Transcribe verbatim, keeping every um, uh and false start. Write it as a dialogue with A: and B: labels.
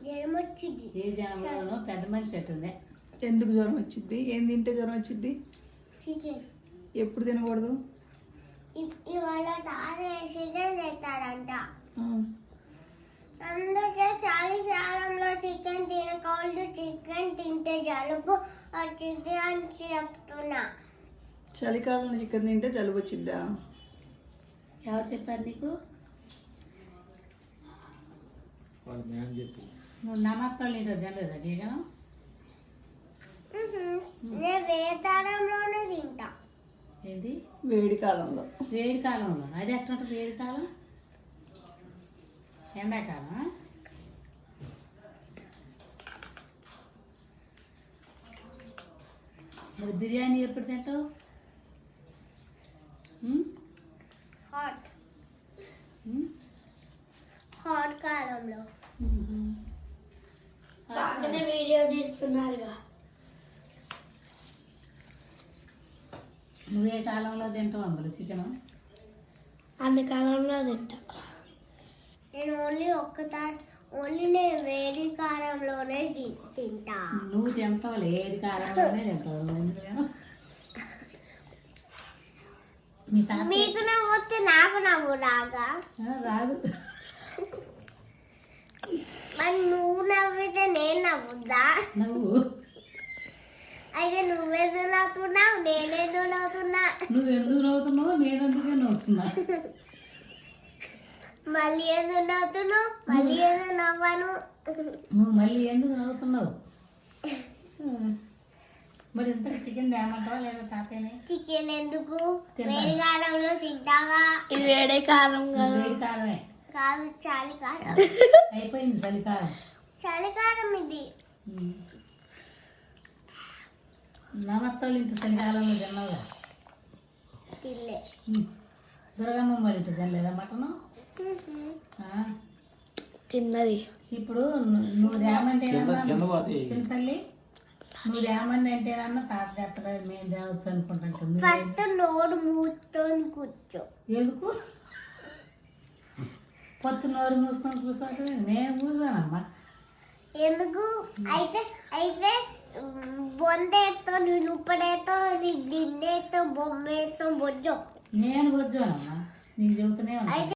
A: ఏ జనంలోనూ పెద్ద మనిషి అవుతుంది.
B: ఎందుకు జ్వరం వచ్చింది? ఏం తింటే జ్వరం వచ్చింది? ఎప్పుడు తినకూడదు?
C: ఇవాళ చికెన్ తెస్తాడంట, అందుకే చలికాలంలో చికెన్ తినకూడదు. చికెన్ తింటే జలుబు వచ్చింది అని చెప్తున్నా.
B: చలికాలంలో చికెన్ తింటే జలుబు వచ్చిద్దా?
A: ఎవరు చెప్పారు నీకు? నువ్వు నమ్మకాలు నీకు తినలేదా చికెన్?
C: నేను వేతారంలోనే తింటా.
A: ఏంటి?
B: వేడి కాలంలో.
A: వేడి కాలంలో అది ఎట్లా ఉంటుంది? వేడి కాలం ఎండాకాలం. మరి బిర్యానీ ఎప్పుడు తింటావు?
C: హాట్ హాట్ కాలంలో. బాగానే వీడియో తీస్తున్నారుగా.
A: నువ్వే కాలంలో తింటావు అందులో చికెన్?
C: అన్ని కాలంలో తింటా నేను. ఓన్లీ ఒక్కసారి ఓన్లీ నేను వేడి కాలంలోనే తింటా.
A: నువ్వు తింటావు ఏది కాలంలోనే తింటావు.
C: మీకు నవ్వు వస్తే నాకు నవ్వు రాగా?
A: రాదు.
C: మరి నువ్వు నవ్వితే నేను నవ్వుద్దా?
A: నవ్వు.
C: అయితే నువ్వెందుకు నవ్వుతున్నావు, నేనెందుకు నవ్వుతున్నా?
A: నువ్వు ఎందుకు నవ్వుతున్నావు, నేను ఎందుకే నవ్వుతున్నా.
C: మళ్ళీ ఎందుకు నవ్వుతున్నావు? మళ్ళీ ఎందుకు నవ్వను?
A: నువ్వు మళ్ళీ ఎందుకు నవ్వుతున్నావు? మరి ఇంత చికెన్ తేమంటావా లేదా తాతయ్యని?
C: చికెన్ ఎందుకు? వేడి కాలంలో తింటాగా. ఇది వేడి కాలం
A: వేడి కాలమే
C: కాదు, చలికాలం.
A: అయిపోయింది చలికాలం.
C: చలికాలం ఇది.
A: నమ్మత్తాళ్ళు ఇంటి చలికాలంలో తిన్నావుగా.
C: తిల్లే.
A: దుర్గమ్మ మరి ఇంటి తినలేదా మటను?
C: తిన్నది.
A: ఇప్పుడు నువ్వు రేమంటే చిన్న తల్లి, నువ్వు రేమని అంటేనన్నా తాత చేస్తారా మేము తేవచ్చు అనుకుంటాం.
C: ఫస్ట్ నోరు మూసుకొని కూర్చో.
A: ఎందుకు పొత్తు నోరు మూసుకొని కూర్చోండి? నేను కూర్చోనమ్మా.
C: ఎందుకు? అయితే అయితే బొందేతో నుప్పడేతో గిన్నెతో బొమ్మేతో బొజ్జో.
A: నేను బొజ్జోనమ్మా, నీకు చెబుతూనే ఉన్నా.